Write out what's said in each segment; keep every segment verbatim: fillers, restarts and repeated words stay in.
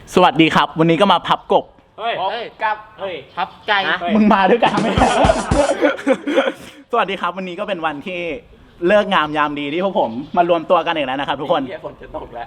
สวัสดีครับวันนี้ก็มาพับกบเฮ้ยกับเฮ้ยพับไก่มึงมาด้วยกันไหม สวัสดีครับวันนี้ก็เป็นวันที่เลิกงามยามดีที่พวกผมมารวมตัวกันอีกแล้วนะครับทุกคนฝนจะตกแล้ว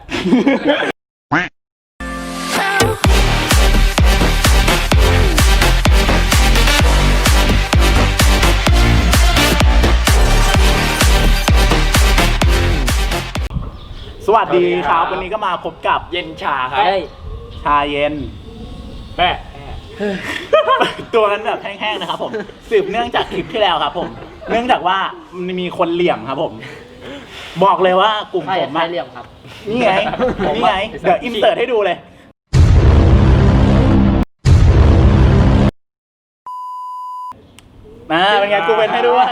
สวัสดีครับวันนี้ก็มาพบกับเย็นชาครับชาเย็นแม่ตัวนั้นแบบแห้งๆนะครับผมสืบเนื่องจากคลิปที่แล้วครับผมเนื่องจากว่ามันมีคนเหลี่ยมครับผมบอกเลยว่ากลุ่มผมมาเหลี่ยมครับนี่ไงนี่ไงเดี๋ยวอินเสิร์ตให้ดูเลยมาเป็นไงกูเป็นให้ด้วย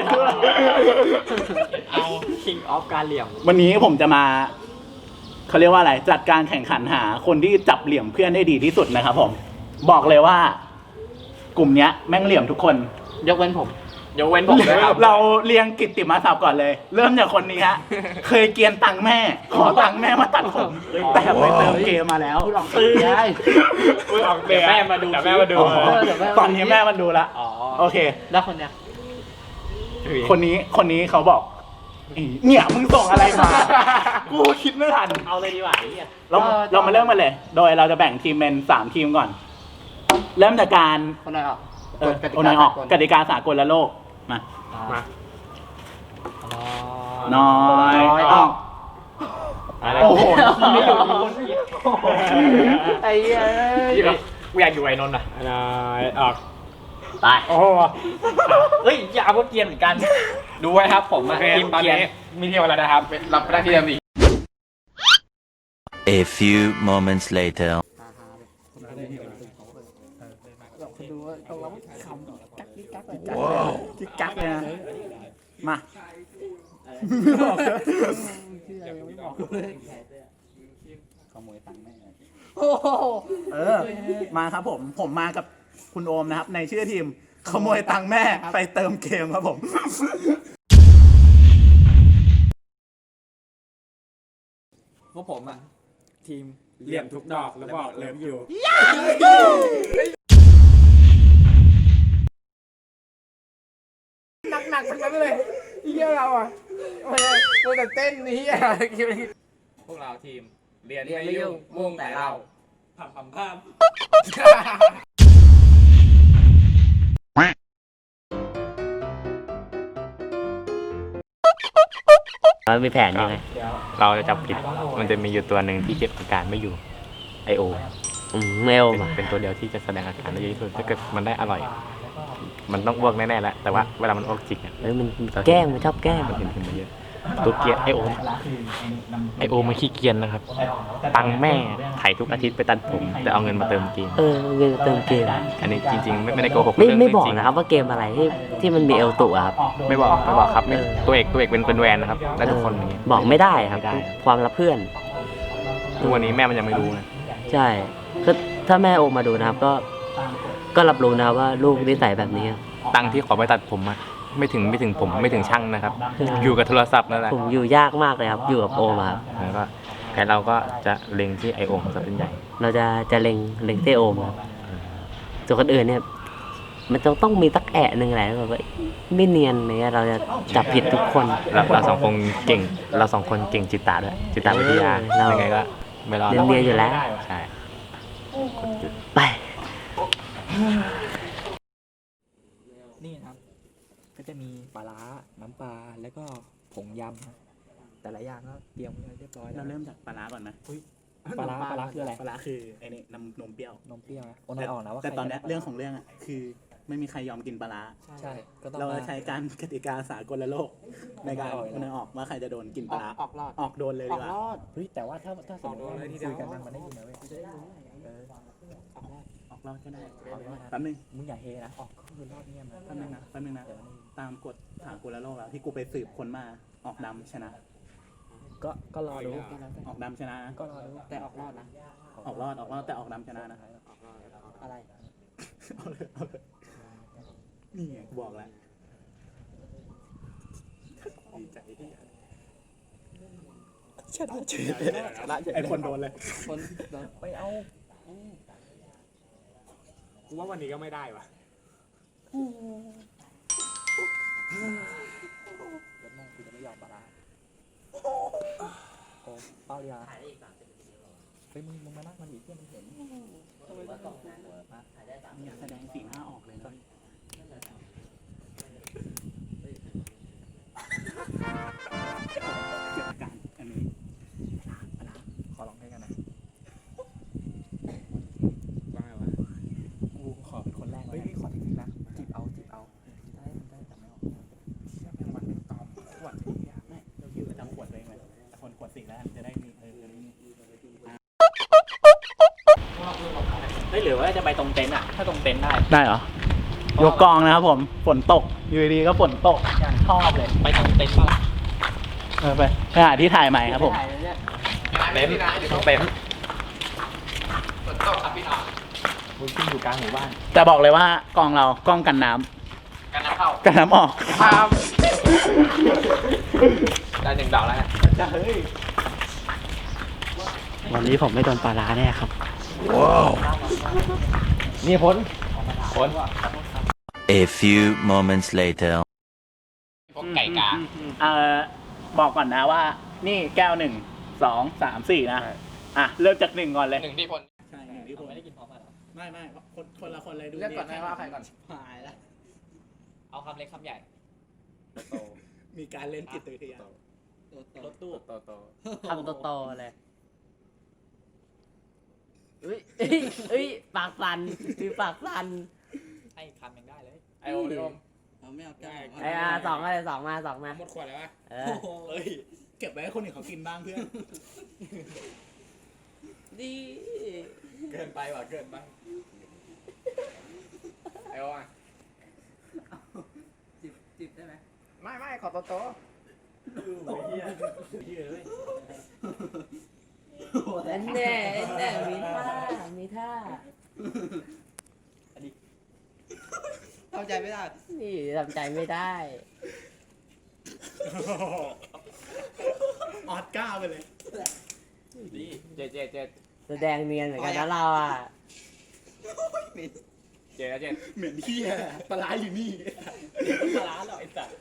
เอา King of การเหลี่ยมวันนี้ผมจะมาเขาเรียกว่าอะไรจัดการแข่งขันหาคนที่จับเหลี่ยมเพื่อนได้ดีที่สุดนะครับผมบอกเลยว่ากลุ่มนี้แม่งเหลี่ยมทุกคนยกเว้นผมยกเว้นผมเลยครับเราเรียงกิตติมาศัพท์ก่อนเลยเริ่มจากคนนี้ฮะเคยเกียนตังแม่ขอตังแม่มาตัดผมแต่ไปเติมเกมมาแล้วตื้อได้เดี๋ยวแม่มาดูแม่มาดูตอนนี้แม่มันดูละโอเคแล้วคนเนี้ยคนนี้คนนี้เขาบอกเนี่ยมึงส่งอะไรมากูคิดไม่ทันเอาเลยดีกว่าเนี่ยเราเรามาเริ่มกันเลยโดยเราจะแบ่งทีมเป็นสามทีมก่อนเริ่มจากการคนไหนออกเออคนไหนออกกติกาสากลและโลกมามาน้อยออกโอ้โหไม่อยู่ไอ้เอ้ยกูอยากอยู่ไอ้นนท์อ่ะน้อยออกตายโอ้เฮ้ยอย่าพวกเกียนเหมือนกันดูไว้ครับผมทีมเกียนมีเที่ยวอะไรนะครับรับได้ที่เดิมอีก A few moments later ดูว่าต้องรับคำกักกิ๊กกักเลยกิ๊กกักเลยนะมาไม่บอกเลยไม่บอกเลยขโมยตังค์แม่เออมาครับผมผมมากับคุณโอมนะครับในชื่อทีมขโมยตังค์แม่ไปเติมเกมครับผมพวกผมอ่ะทีมเหลี่ยมทุกดอกแล้วบอกเลิฟอยู่หนักๆเหมือนกันเลยเยี่ยเราอ่ะโอ้ยโดนแต่เต้นนี้อ่ะพวกเราทีมเรียนไม่ยุ่งมุ่งแต่เราทำความภาพเรามีแผนยังไงเราจะจับผิดมันจะมีอยู่ตัวหนึ่งที่เก็บอาการไม่อยู่ไอโออืมไม่โอมาเป็นตัวเดียวที่จะแสดงอาการได้เยอะที่สุดถ้าเกิดมันได้อร่อยมันต้องอ้วกแน่ๆแหละแต่ว่าเวลามันอ้วกจริงอ่ะเฮ้ยมันแกล้งมันชอบแกล้งมันเห็นขึ้นมาเยอะตัวเกียร์ไอโอไอโอมันขี้เกียจนะครับตังแม่ไถ่ทุกอาทิตย์ไปตัดผมแต่เอาเงินมาเติมเกมเออเงินเติมเกมอันนี้จริงๆไม่ได้โกหกไม่ไม่บอกนะครับว่าเกมอะไรที่ที่มันมีเอลตุครับไม่บอกไม่บอกครับตัวเอกตัวเอกเป็นเป็นแวนนะครับได้ทุกคนอย่างนี้บอกไม่ได้ครับความลับเพื่อนทุกวันนี้แม่มันยังไม่รู้นะใช่ก็ถ้าแม่โอมาดูนะครับก็ก็รับรู้นะว่าลูกนิสัยแบบนี้ตังที่ขอไปตัดผมอะไม่ถึงไม่ถึงผมไม่ถึงช่างนะครับอยู่กับโทรศัพท์นั่นแหละผมอยู่ยากมากเลยครับอยู่กับโอมาแล้วก็แค่เราก็จะเล็งที่ไอโอมซะเป็นใหญ่เราจะจะเล็งเล็งที่โอมครับส่วนคนอื่นเนี่ยมันต้องต้องมีตักแอะหนึ่งแหละแบบว่าไม่เนียนเนี่ยเราจะจับผิดทุกคนเราเราสองคนเก่งเราสองคนเก่งจิตตาด้วยจิตตาวิทยาเรายังไงก็ไม่รอดเนียนอยู่แล้วใช่ไปนี่ครับก็จะมีปลาร้าน้ำปลาแล้วก็ผงยำนะแต่ละอย่างก็เตรียมไว้เรียบร้อยเราเริ่มจากปลาร้าก่อนนะปลาร้าปลาร้าคืออะไรปลาร้าคือไอ้นี่นมนมเปรี้ยวนมเปรี้ยวนะโอ้นายออกนะว่าแต่ตอนนี้เรื่องของเรื่องอ่ะคือไม่มีใครยอมกินปลาร้าใช่เราใช้การกติกาสากลโลกในการมันออกว่าใครจะโดนกินปลาร้าออกรอดออกโดนเลยดีกว่าเฮ้ยแต่ว่าถ้าถ้าสมมติว่าคุยกันมันได้ยินนะเว้ยจะได้รู้เออออกรอดออกรอดก็ได้แป๊บนึงมึงอย่าเฮนะออกก็คือรอดเนี่ยแป๊บนึงนะแป๊บนึงนะตามกฎสากลโลกแล้วที่กูไปสืบคนมาออกดำชนะก็ก็รอดูออกดำชนะก็รอดูแต่ออกรอดนะออกรอดออกรอดแต่ออกดำชนะนะอะไรเอาเลยเอาเลยนี่ไงกูบอกแล้วดีใจที่ชนะชนะไอคนโดนเลยคนไปเอากูว่าวันนี้ก็ไม่ได้วะเดี๋ยวแม่งกูจะไม่ยอมปลาร้าโอ้เป้ายาเฮ้ยมึงมึงมานั่งมันอีกเพื่อนมึงเห็นเนี่ยแสดงสีหน้าออกเลยนะเกิดอาการอันนี้ขอลองให้กันนะว่าไงวะกูขอเป็นคนแรกเฮ้ยขอทีนี้นะจีบเอาจีบเอาได้ได้แต่ไม่ออกเชื่อแม่งมันเป็นตอมขวดไอ้เหี้ยไม่เราคิดว่าจำขวดตัวเองเลยแต่คนขวดสีแล้วจะได้มีเออจะได้มีเฮ้ยหรือว่าจะไปตรงเต็นท์อ่ะถ้าตรงเต็นท์ได้ได้เหรอยกกองนะครับผมฝนตกอยู่ดีๆก็ฝนตกอย่างชอบเลยไปตรงเต็นท์ป่ะเออไปไปหาที่ถ่ายใหม่ครับผมเต็นท์เต็นท์ฝนตกครับพี่น้องมึงขึ้นอยู่กลางหมู่บ้านแต่บอกเลยว่ากองเรากล้องกันน้ำกันน้ำเข้ากันน้ำออกครับได้หนึ่งดอกแล้วจะเฮ้ยวันนี้ผมไม่โดนปลาร้าแน่ครับนี่พ้นพ้น A few moments later. พวกไก่กาเอ่อบอกก่อนนะว่า นี่แก้วหนึ่งสองสามสี่นะอ่ะเริ่มจากหนึ่งก่อนเลยหนึ่งที่พ้นใช่หนึ่งที่ผมไม่ได้กินพร้อมกันหรอไม่ไม่คนคนละคนเลยดูเลือกก่อนไหมว่าใครก่อนหายแล้วเอาคำเล็กคำใหญ่มีการเล่นจิตวิทยารถตู้โตโตคำโตๆเลยเอ้ยเอ้ยเอ้ยปากสั่นคือปากสั่นให้คำยังได้เลยไอโอมไอโอมเอาไม่เอาแก้วไอ้อาสองอะไรสองมาสองมาหมดขวดแล้ววะเออเฮ้ยเก็บไว้ให้คนอื่นเขากินบ้างเพื่อนดีเกินไปว่ะเกินไปไอโอมอ่ะจิบจิบได้ไหมไม่ไม่ขอโตโตแน่แน่แน่มีท่ามีท่าเข้าใจไม่ได้นี่ทำใจไม่ได้ออดก้าไปเลยดีเจ็ดเจ็ดเจ็ดแสดงเนียนเหมือนกันนะเราอ่ะเจ็ดเจ็ดเหมือนที่ปลาร้าอยู่นี่ปลาร้าหรอไอ้สัส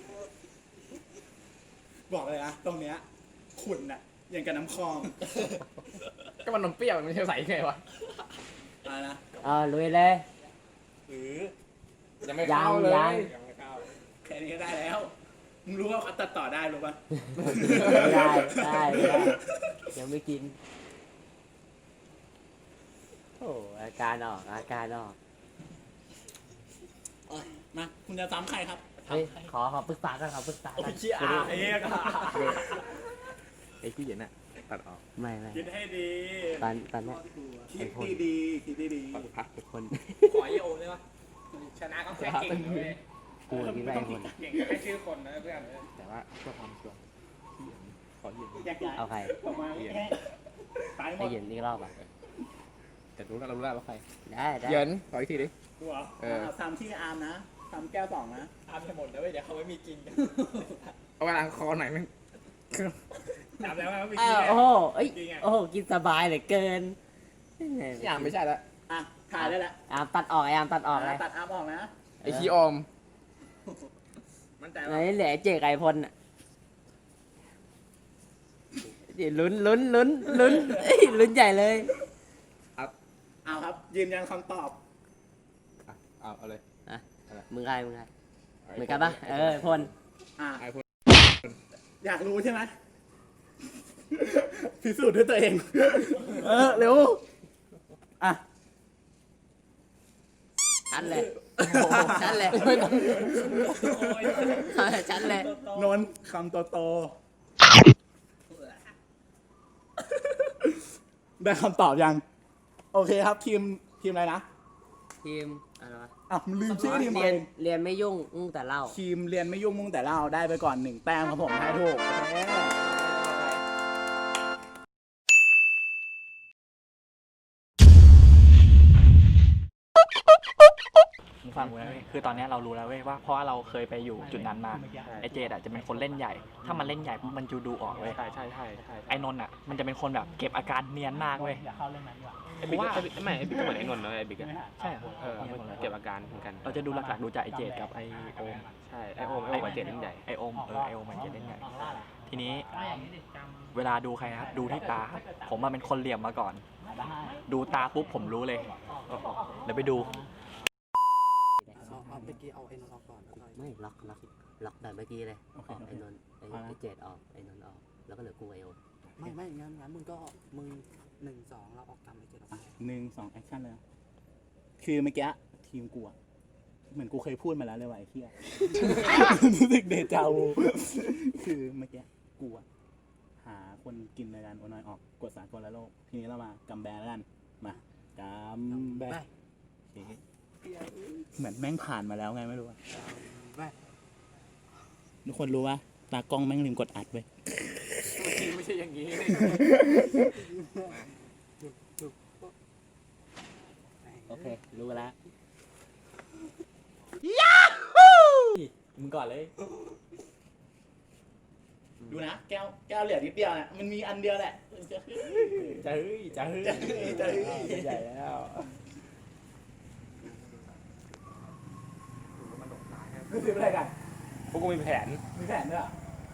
บอกเลยนะตรงเนี้ยขุ่นอะอย่างกับน้ำคลองก็มันนมเปรี้ยวมันจะใส่ไงวะอะไรนะเออลุยเลยหรือยังไม่เข้าเลยยังยังไม่เข้าแค่นี้ก็ได้แล้วมึงรู้ว่าเขาตัดต่อได้รู้ป่ะได้ได้ได้ยังไม่กินโอ้อาการออกอาการออกมาคุณจะซ้ำใครครับเฮ้ยขอขอปรึกษากันขอปรึกษาโอ้กัยนเชี่ยอาเอ๊ะก็ไอ้ที่เย็นอ่ะตัดออกไม่ไม่คิดให้ดีตอนตอนเนี้ยคิดดีดีคิดดีดีตัดพักคนขอไอโอมได้ปะชนะก็แค่เก่งเลยกูกินไปคนเก่งแค่ชื่อคนนะเพื่อนแต่ว่าเพื่อความชัวร์ที่ขอเย็นอยากย้ายเอาใครออกมาตายหมให้ดเย็นอีกรอบอ่ะแต่รู้แล้วรู้แล้วว่าใครได้ได้เย็นขออีกทีดิตัวเออซ้ำที่อาร์มนะซ้ำแก้วสองนะทำจะหมดแล้วเว้ยเดี๋ยวเขาไม่มีกินเอาเวลาคอหน่อยมั้งจับแล้วว่าไม่อ้ากินวโอ้โหเอ้ยโอ้โหกินสบายเหลือเกินที่อ่านไม่ใช่แล้วอ่ะถ่ายได้แล้วอามตัดออกไอ้อามตัดออกเลยตัดอาร์มออกนะไอคีออมมันใจไหนว่าเหลือเจกไอพลอ่ะเดี๋ยวลุ้นลุ้นลุ้นลุ้นเอ้ยลุ้นใหญ่เลยเอาครับ ยืนยันคำตอบเอาเอาเลยอ่ะมึงใครมึงใครเหมือนกันปะเออพลอ่ะไอพลอยากรู้ใช่ไหมพิสูจน์ด้วยตัวเอง เออเร็วอ่ะชันเลยชันเลยชันเลยนนท์คำโตโตได้คำตอบยัง โอเคครับ ทีมทีมอะไรนะทีมอะไรวะอ่ะลืมชื่อทีมเรีเอยนงเรียนไม่ยุ่งอุ้งแต่เล่าทีมเรียนไม่ยุ่งมุ่งแต่เล่าได้ไปก่อนหนึ่งแต้มครับผมให้ถูกมึงฟังกูนะเว้ยคือตอนนี้เรารู้แล้วเว้ยว่าเพราะว่าเราเคยไปอยู่จุดนั้นมาไอเจดอ่ะจะเป็นคนเล่นใหญ่ ถ้ามันเล่นใหญ่ปุ๊บมันจะดูออกเว้ยใช่ใช่ใช่ใช่ไอนนท์อ่ะมันจะเป็นคนแบบเก็บอาการเนียนมากเว้ยไอ้บิ๊กก็ไม่ไอ้บิ๊กก็เหมือนไอ้นนท์นะไอ้บิ๊กอะใช่เหรอเออเก็บอาการเหมือนกันเราจะดูหลักๆดูจากไอเจดกับไอโอมใช่ไอโอมไอโอมกับเจดเล่นใหญ่ไอโอมเออไอโอมมันจะเล่นใหญ่ทีนี้เวลาดูใครนะครับดูที่ตาครับผมมาเป็นคนเหลี่ยมมาก่อน ดูตาปุ๊บผมรู้เลยเดี๋ยวไปดูเอาเอาเมื่อกี้เอาไอ้นนท์ออกก่อนแล้วก็ไม่ล็อกล็อกล็อกแบบเมื่อกี้เลยออกไอ้นนท์ไอ้ไอ้เจดออกไอ้นนท์ออกแล้วก็เหลือกูไอโอไม่ไม่งั้นงั้นมึงก็มึงหนึ่งสองเราออกตามไอ้เจ็ดออกไปหนึ่งสองแอคชั่นเลยนะคือเมื่อกี้ทีมกูอะเหมือนกูเคยพูดมาแล้วเลยว่าไอ้เหี้ย รู้สึกเดจาวูคือเมื่อกี้กูอะหาคนกินรายการโอนอยออกกดสากลและโลกทีนี้เรามากำแบแล้วกันมากำแบโอเคเหมือนแม่งผ่านมาแล้วไงไม่รู้อะไปทุกคนรู้ว่าตากล้องแม่งลืมกดอัดไว้ไม่ใช่อย่างนี้โอเครู้แล้วมึงก่อนเลย ดูนะแก้วแก้วเหลือนิดเดียวน่ะมันมีอันเดียวแหละจะเฮ้ยจะเฮ้ยจะเฮ้ยจะเฮ้ยใหญ่แล้วรู้สึกอะไรกันพวกกูมีแผนมีแผนด้วย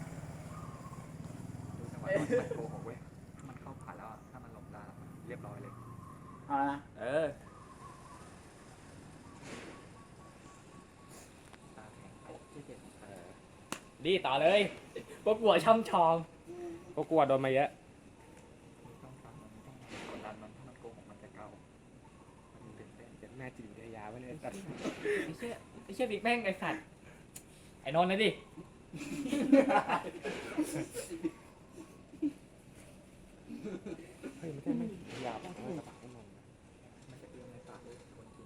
มันโกหกเว้ยมันเข้าผ่านแล้วถ้ามันหลบได้เรียบร้อยเลยเอาละนะเออดีต่อเลยพวกกูช่ำชองพวกกูโดนมาเยอะกดดันมันถ้ามันโกหกมันจะเก่ามันตื่นเต้นเป็นแม่จิตวิทยาไว้เลยไอ้เชี่ยไอ้เชี่ยบิ๊กแม่งไอ้สัตว์ไอ้นนท์นะดิเฮ้ยไม่ใช่ไม่ยาวไม่กระปากไอ้นนท์มันจะเอื้อมในปากเลยคนกิน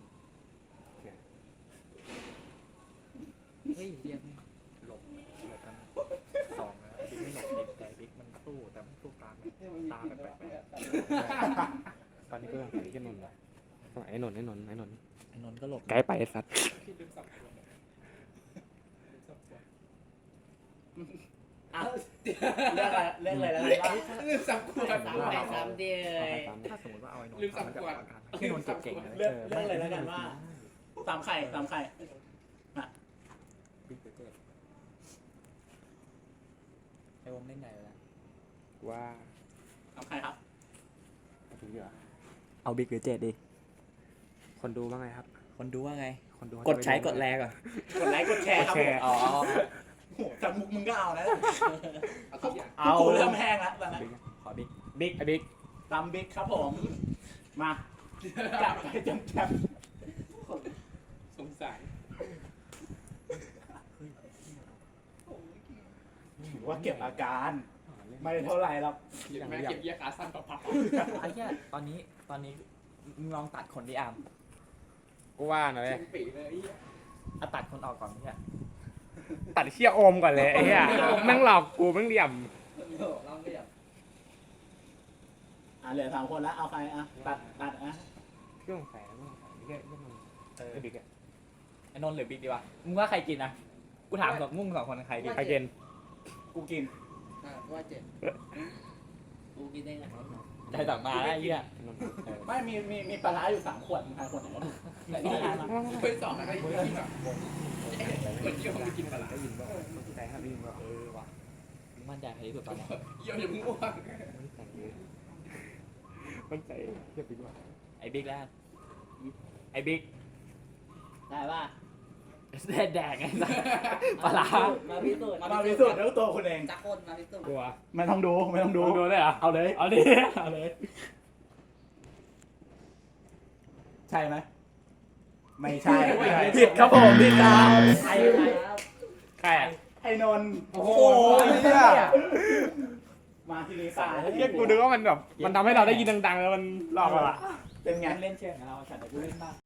เฮ้ยเยี่ยมหลบหลบกันสองนะบิ๊กไม่หลบบิ๊กแต่บิ๊กมันสู้แต่มันสู้ตาตาแปลกๆตอนนี้ก็ยังหาที่นนท์เลยไอ้นนท์ไอ้นนท์ไอ้นนท์ไอ้นนท์ก็หลบไกลไปไอ้สัตว์อ่ะเรื่องอะไรเรื่องอะไรแล้วบ้างลืมสับขวดสามไปสามเดียวถ้าสมมติว่าเอาไอ้นนท์ลืมสับขวดไอ้นนท์เก็บเก่งนะเรื่องเรื่องอะไรแล้วกันว่าตามไข่ตามไข่บิ๊กเจไอโอมเล่นใหญ่แล้วว่าตามไข่ครับถึงเหรอเอาบิ๊กหรือเจ็ดดิคนดูว่าไงครับคนดูว่าไงคนดูกดใช้กดแรงก่อนกดไลค์กดแชร์ครับผมอ๋อโหจากมุกมึงก็เอานะเอากูเริ่มแห้งแล้วตอนนั้นขอบิ๊กบิ๊กไอ้บิ๊กตามบิ๊กครับผมมาจับไปจำจับสงสารถือว่าเก็บอาการไม่เท่าไหร่หรอกแม่เก็บเยี่ยขาสั้นต่อพับไอ้เหี้ยตอนนี้ตอนนี้มึงลองตัดคนดิอามกูว่าหน่อยปีเลยเอาตัดคนออกก่อนเนี่ยตัดเชี่ยโอมก่อนเลยไอ้เหี้ยแม่งหลอกกูแม่งเหลี่ยมเราไม่อยากอ่ะเหลือสามคนแล้วเอาใครอ่ะตัดตัดอ่ะเครื่องใส่แล้วใส่เหี้ยเหี้ยมันไอ้บิ๊กอะไอ้นนท์หรือบิ๊กดีวะมึงว่าใครกินอ่ะกูถามสองมุ่งสองคนใครกินใครเกณฑ์กูกินว่าเจ็ดกูกินได้ไงใจต่างมาแล้วไอ้เหี้ยนนท์ไม่มีมีมีปลาร้าอยู่สามขวดมึงทานขวดไหนแต่นี่ทานมาไปสองอะไรที่แบบคนเยี่ยมไม่กินปลาได้ยินป่ะใจครับได้ยินป่ะเออว่ะมึงมั่นใจใครที่สุดตอนนี้เยี่ยมอย่าพิ่งอ้วกมันใจมันใจเหี้ยบิ๊กว่ะไอ้บิ๊กแล้วไอ้บิ๊กได้ป่ะแดดแดงไงปลาร้ามาพิสูจน์มาพิสูจน์ด้วยตัวคุณเองจักคนมาพิสูจน์กลัวไม่ต้องดูไม่ต้องดูดูได้เหรอเอาเลยเอาดิเอาเลยใช่ไหมไม่ใช่ผิดครับผมผิดครับใครครับใครอ่ะไอ้นนท์โอ้โหเหี้ยมาทีนี้ตายเหี้ยกูนึกว่ามันแบบมันทำให้เราได้ยินดังๆแล้วมันหลอกเราอะเป็นไงเล่นเชื่องกับเราฉันแต่กูเล่นบ้าง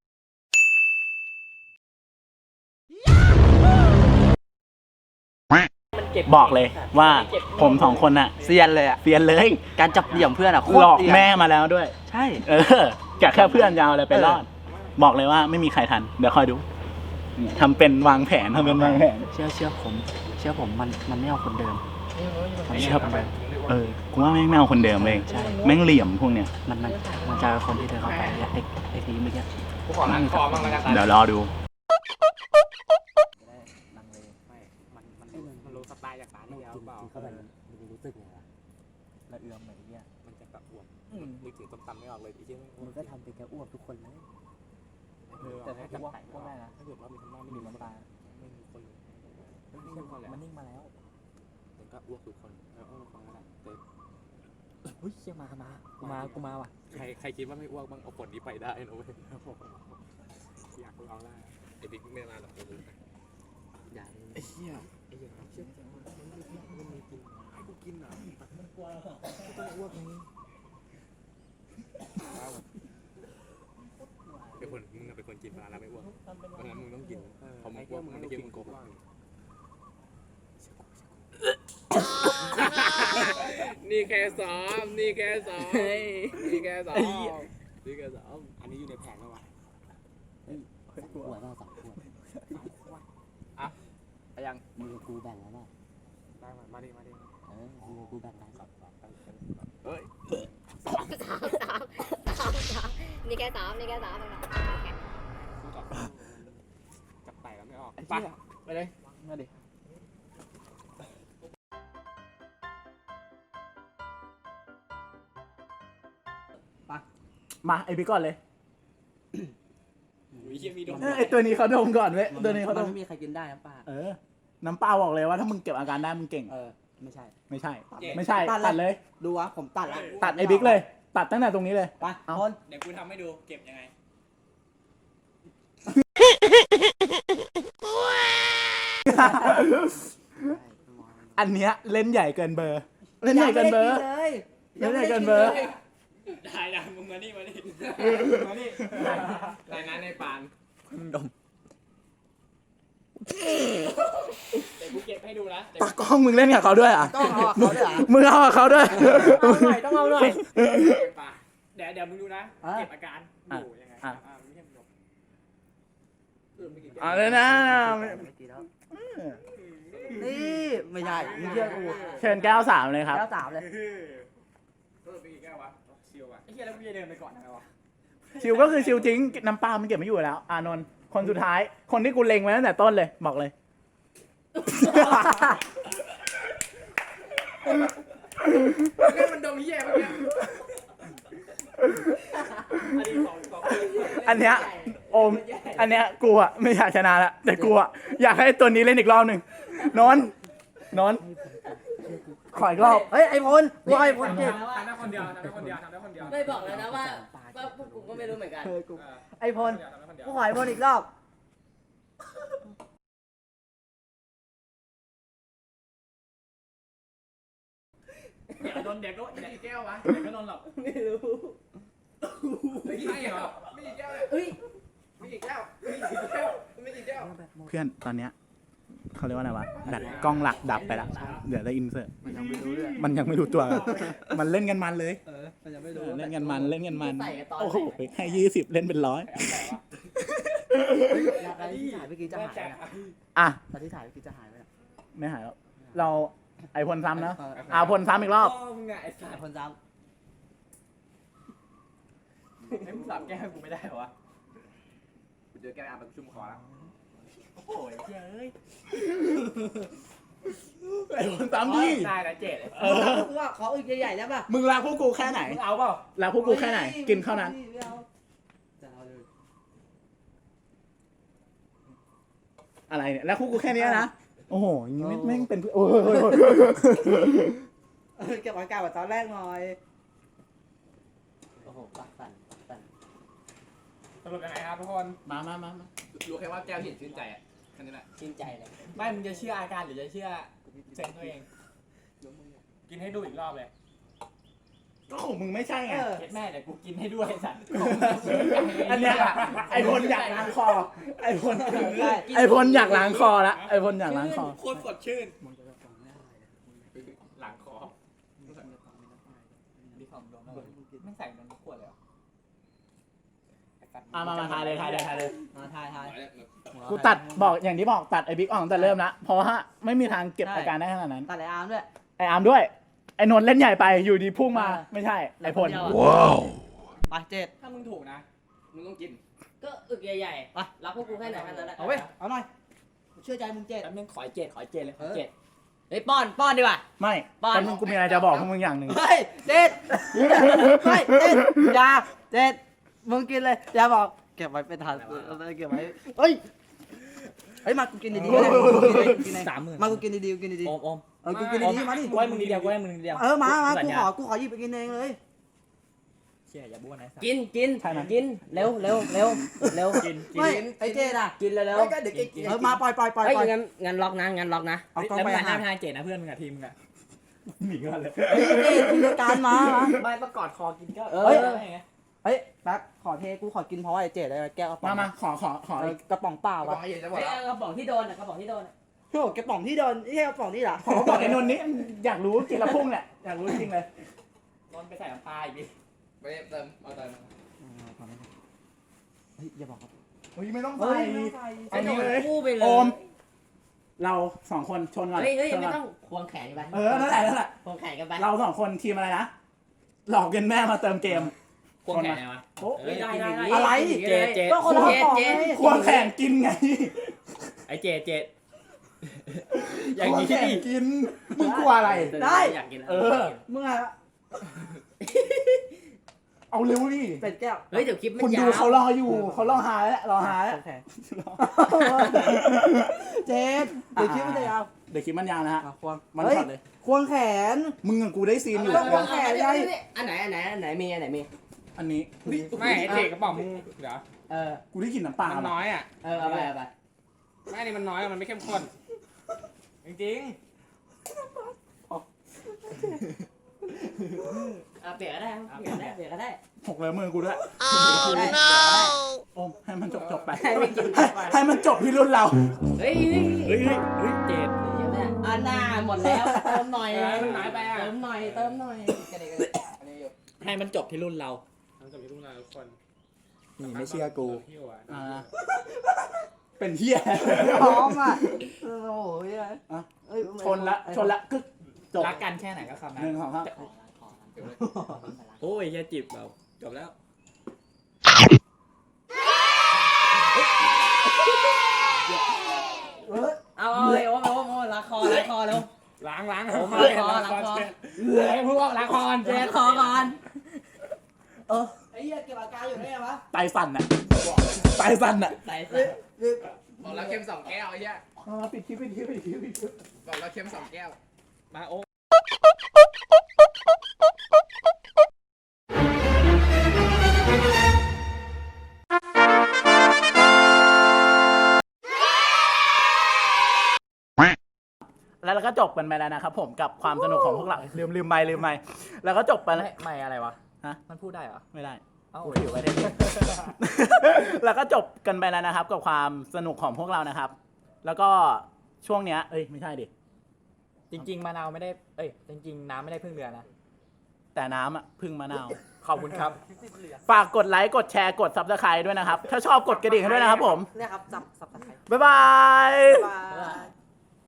บอกเลยว่าผมสองคนน่ะเซียนเลยอ่ะเซียนเลยการจับเหลี่ยมเพื่อนอ่ะโคหลตรอกเซียนแม่มาแล้วด้วยใช่เออแกะแค่เพื่อนยาวเลยไปรอด บอกเลยว่าไม่มีใครทัน เดี๋ยวคอยดูนี่ทำเป็นวางแผนทำเป็นวางแผนเชื่อเชื่อผม เชื่อผมมันมันไม่เอาคนเดิมเชื่อผมเออกูว่าแม่งไม่เอาคนเดิมเลยแม่งเหลี่ยมพวกเนี้ยมันมันมันจะเป็นคนที่เดินเข้าไปเนี่ยไอ้ไอ้ทีเมื่อกี้กูขอนั่งคอบ้างแล้วกันเดี๋ยวรอดูลังเลไม่มันมันมันรู้สไตล์จากร้านที่แล้วเปล่าเข้าไปมันจะรู้สึกไงวะละเอือมเหมือนเนี่ยมันจะแบบอ้วนนึกถึงต้มตำไม่ออกเลยอีกที่มันก็ทำเป็นแกอ้วกทุกคนเลยแต่ถ้าจะแต่ก็ได้นะถ้าเกิดว่ามีคนบ้าไม่มีน้ำตาไม่มีคนมันนิ่งมาแล้วมันก็อ้วกทุกคนแล้วอ้วกทุกคนก็ได้แต่เฮ้ยเชี่ยมามากูมากูมาว่ะใครใครคิดว่าไม่อ้วกบ้างเอาผลนี้ไปได้นะเว้ยอยากลองได้ไอ้บิ๊กไม่มาหรอกกูรู้นะอย่าไอ้เหี้ยไอ้เหี้ยเชื่อมันมีกินมันมีกินให้กูกินเหรอมันกลัวเหรอกูต้องอ้วกนี้เป็นคนมึงเป็นคนกินปลาแล้วไม่อ้วกเพราะงั้นมึงต้องกินพอมึงอ้วกมึงไม่กินมึงโกหกนี่แค่ซ้อมนี่แค่ซ้อมนี่แค่ซ้อมนี่แค่ซ้อมอันนี้อยู่ในแผนแล้ววะขวดเราสองขวดอ่ะไปยังมือกูแบ่งแล้วเปล่าได้มามาดิมาดิเออมือกูแบ่งแล้วเฮ้ยนี่แค่สามนี่แค่สามเองนะโอเคจับไต่แล้วไม่ออกไปไปเลยมาดิ มาไอพี่ก่อนเลยวิเชียมีดมเออไอตัวนี้เขาดมก่อนเว้ยตัวนี้เขาดมันมไม่มีใครกินได้นะป้าเออ น้ำเปล่าบอกเลยว่าถ้ามึงเก็บอาการได้มึงเก่งเออไม่ใช่ไม่ใช่ ไม่ใช่ ตัดเลยดูวะผมตัดละตัดไอบิ๊กเลย ตัดตั้งแต่ตรงนี้เลยไปเอาคนเดี๋ยวกูทำให้ดูเก็บยังไงอันเนี้ยเล่นใหญ่เกินเบอร์ เล่นใหญ่เกินเบอร์เลยเล่นใหญ่เกินเบอร์ได้ได้มึงมานี่มานี่มานี่ในนั้นในปานดมเดี๋ยวกูเก็บให้ดูนะตากล้องมึงเล่นกับเขาด้วยอ่ะต้องเอาเขาด้วยเหรอมึงเอากับเขาด้วยเอาหน่อยต้องเอาหน่อยเดี๋ยวเดี๋ยวมึงดูนะอ่ะเก็บอาการอยู่ยังไงอ่ะอ่าไม่ใช่มึงดมเออไม่กินเอาเลยนะไม่กินแล้วนี่ไม่ใช่มึงเชื่อกูเชิญแก้วสามเลยครับแก้วสามเลยเออไปกี่แก้ววะชิวอ่ะไอ้เหี้ยแล้วกูจะเดินไปก่อนทำไมวะชิวก็คือชิวจริง น้ำปลามันเก็บไม่อยู่แล้ว อานนท์คนสุดท้าย คนที่กูเล็งไว้ตั้งแต่ต้นเลย บอกเลยนี่มันดมเหี้ยเมื่อกี้อันนี้ของของอันเนี้ยโอม อันเนี้ยกูอะไม่อยากชนะละแต่กูอะอยากให้ตัวนี้เล่นอีกรอบหนึ่งนนท์นนท์ขออีกรอบเฮ้ยไอพลกูไอพลเจ็บทำได้คนเดียวทำได้คนเดียวทำได้คนเดียวไม่บอกแล้วนะว่าว่าพวกกูก็ไม่รู้เหมือนกันเออกูเออไอพลทำได้คนเดียวกูขอไอพลอีกรอบเดี๋ยวโดนเดี๋ยวก็เดี๋ยวแก้ววะเดี๋ยวก็โดนหรอกไม่รู้ไม่ใช่เหรอไม่กี่แก้วเลยเฮ้ยไม่กี่แก้วไม่กี่แก้วไม่กี่แก้วเพื่อนตอนเนี้ยเขาเรียกว่าอะไรวะดัดกล้องหลักดับไปละเดี๋ยวได้อินเสิร์ตมันยังไม่รู้เลยมันยังไม่รู้ตัว มันเล่นกันมันเลยเออมันยังไม่รู้เล่นกันมันเล่นกันมันใส่กันตอนโอ้โหให้ยี่สิบเล่นเป็นร้อยตอนที่ถ่ายเมื่อกี้จะหายไหมเนี่ยอ่ะตอนที่ถ่ายเมื่อกี้จะหายไหมเนี่ยไม่หายแล้วเราไอพลซ้ำนะเอออ่าพลซ้ำอีกรอบพ่อมึงไงไอ้สัไอตว์พลซ้ไอ้มึงสับแก้วกูไม่ได้เหรอวะกูเจอแก้วอาบไปกูชุ่มคอแล้วโอ้โหเจ้ยไอพลซ้ำดิได้นะเจ็ดเออำกูว่าขออีกใหญ่ๆแล้วป่ะมึงรักพวกกูแค่ไหนมึงเอาเปล่ารักพวกกูแค่ไหน กินข้าวนั้นไม่เอาจะเอาเลยอะไรเนี่ยแล้วพวกกูแค่เนี้ยนะโอ้โหอย่างงี้ไม่แม่งเป็นโอ้ยเออเก็บอาการแบบตอนแรกหน่อยโอ้โหปากสั่นปากสั่นสรุปยังไงครับทุกคนมามามามารู้แค่ว่าแก้วเห็นชื่นใจอ่ะแค่นี้แหละชื่นใจเลยไม่มึงจะเชื่ออาการหรือจะเชื่อเซนตัวเองกินให้ดูอีกรอบเลยก็ของมึงไม่ใช่ไงเออเจ็ดแม่แต่กูกินให้ด้วยไอ้สัตว์อันเนี้ยไอพลอยากล้างคอ ไอพลไอพลอยากล้างคอละไอพลอยากล้างคอโคตรสดชื่นมึงจะฟังไม่ได้เลยหลังคอดีของดมไม่ใส่นมขวดเลยอ่ะมามาทายเลยทายเลยทายเลยมาทายทายกูตัดบอกอย่างที่บอกตัดไอบิ๊กออกตั้งแต่เริ่มละเพราะว่าไม่มีทางเก็บอาการได้ขนาดนั้นตัดไออาร์มด้วยไออาร์มด้วยไอ้นนท์เล่นใหญ่ไปอยู่ดีพุ่งมาไม่ใช่ไอ้พลไปเจ็ดถ้ามึงถูกนะ มึงต้องกินก็อึกใหญ่ๆไปรับพวกกูแค่ไหนแค่นั้นแหละเอาเว้ยเอาหน่อยเชื่อใจมึงเจ็ดแล้วมึงขอเจ็ดขอเจ็ดเลยขอเจ็ดเฮ้ยป้อนป้อนดีกว่าไม่บ้านแต่มึงกูมีอะไรจะบอกพวกมึงอย่างหนึ่งเฮ้ยเจ็ดเฮ้ยเจ็ดอยาเจ็ดมึงกินเลยอย่าบอกเก็บไว้เป็นทานเอาไปเก็บไว้เฮ้ยเฮ้ยมากูกินดีๆนะกูกินเองสามหมื่นมากูกินดีๆกูกินดีโอมโอมๆเออกูกินดีๆมาดิกูให้มึงนิดเดียวกูให้มึงนิดเดียวเออมามาสัญกูญขอกูขอหยิบไปกินเองเลยเชี่ยอย่าบ้วนนะสัตว์กินกินใช่ไหมกินเร็วเร็วเร็วเร็วกินกินไม่ไอ้เจ็ดอ่ะกินเร็วเร็วเดี๋ยวกินเออมาปล่อยปล่อยปล่อยเฮ้ยปล่อยงั้นงั้นล็อกนะงั้นล็อกนะเอากล้องแล้วไปมึงหันหน้าหาไปทางเจ็ดนะเพื่อนมึงกับทีมมึงอะหนีกันเลยเฮ้ยเจ็ดกินรายการมามาไม่ประกอดคอกินก็เออเฮ้ยเออไงเฮ้ยแป๊บขอเทกูขอกินเพราะว่าไอ้เจ็ดได้แก้วกระป๋อมาง มาขอขอขอเออกระป๋องเปล่าวะเฮ้ยเอากระป๋องที่โดนอ่ะกระป๋องที่โดนอะโอ้กระป๋องที่โดนไม่ใช่กระป๋องนี่เหรอขอบอกไอ้นนท์นี้อยากรู้กินและพุ่งเนี่ยอยากรู้จริงเลยนอนไปใส่น้ำปลาอีกดิไปเติมเอาเติมเฮ้ยอย่าบอกครับเฮ้ยไม่ต้องเฮ้ใส่ยอันนี้เลยคู่ไปเลยโอม เราสองคนชนก่อนเฮ้ยเฮ้ยชนไม่ก่อนต้องควงแขนกันไปเออนั่นแหละนั่นแหละควงแขนกันไปเราสองคนทีมอะไรนะหลอกเงินแม่มาเติมเกมควงแขนไงวะโอ้เอ้ยได้ได้ได้อะไรเจดเจดก็คนละกระป๋องเจ็ดไงควงแข่งกินไงไอ้เจดเจดอคย่างวงนี้แข่งดิกินมึงกลัวอะไรได้อยากกินแล้วเออมึงอะเอาเร็วดิเป็ดแก้วเฮ้ยเดี๋ยวคลิปมัคน นยาดูวเขารออยู่เขารอหาแล้วรอหาแล้วโอเคเจ็ดเดี๋ยวคิดไม่ได้เอาเดี๋ยวคลิปมันยาวนะฮะอ่ะควงมันฮ้ช็อตเลยควงแขนมึงกับกูได้ซีนอยู่เอาควงแขนใหญ่อันไหนอันไหนอันไหนมีอันไหนมีอันนี้ไม่ไอ้เจดกระป๋องมึงเดี๋ยวเออกูได้กลินน้ำปลามันน้อยอ่ะเออเอาไปเอาไปไม่นี่มันน้อยอะมันไม่เข้มข้นจริงเอาเปลี่ยนก็ได้ครับเปลี่ยนก็ได้เปลี่ยนก็ได้หกเลยมือกูด้วยได้โอมให้มันจบจบไปให้ไม่กินให้ให้มันจบที่รุ่นเราเฮ้ยเฮ้ยเฮ้ยเฮ้ยเจดอันน่าหมดแล้วเติมหน่อยเออมันน้อยไปอะเติมหน่อยเติมหน่อยกระเดกกระเดกให้มันจบที่รุ่นเรามันจบที่รุ่นเราทุกคนนี่ไม่เชื่อกูพี่วะอ่าเป็นเฮียพร้อมอ่ะโอ้โหเฮ้ยอ่ะเอ้ยชนละชนละกึกจบรักกันแค่ไหนก็คำหนั้นึ่นงสองครับโอ้ยแค่จิบเราจบแล้วเอาเอาเลยโอ้โหโอ้โหละครละครแล้วล้างล้างโอ้โหเจ็ดล้างคอเจ็ดเหลือให้พวกล้างคอนเจ๊เจ็ดขอก่อนเออไอ้เหี้ยเก็บอาการอยู่ได้ไงวะไตสั่นอ่ะไตสั่นอ่ะใส่เฮ้ยเฮ้ยบอกแล้วเค็มสองแก้วไอ้เหี้ยอ่าปิดคลิปปิดคลิปปิดคลิปปิดคลิปบอกแล้วเค็มสองแก้วมาโอ้แล้วเราก็จบกันไปแล้วนะครับผมกับความสนุกของพวกเราลืมลืมไม่ลืมไม่แล้วก็จบไปแล้วไม่อะไรวะฮะมันพูดได้เหรอไม่ได้เอ้ากูอยู่ประเทศนี้ แล้วก็จบกันไปแล้วนะครับ กับความสนุกของพวกเรานะครับ แล้วก็ช่วงเนี้ยเอ้ยไม่ใช่ดิจริง ๆมะนาวไม่ได้เอ้ยจริง ๆ น้ำไม่ได้พึ่งเรือนะแต่น้ำอ่ะพึ่งมะนาวขอบคุณครับฝากกดไลค์กดแชร์กดซับสไครต์ด้วยนะครับ ถ้าชอบกดกระดิ่งให้ด้วยนะครับผมเนี่ยครับจับสับตะไคร้บ๊ายบายบาย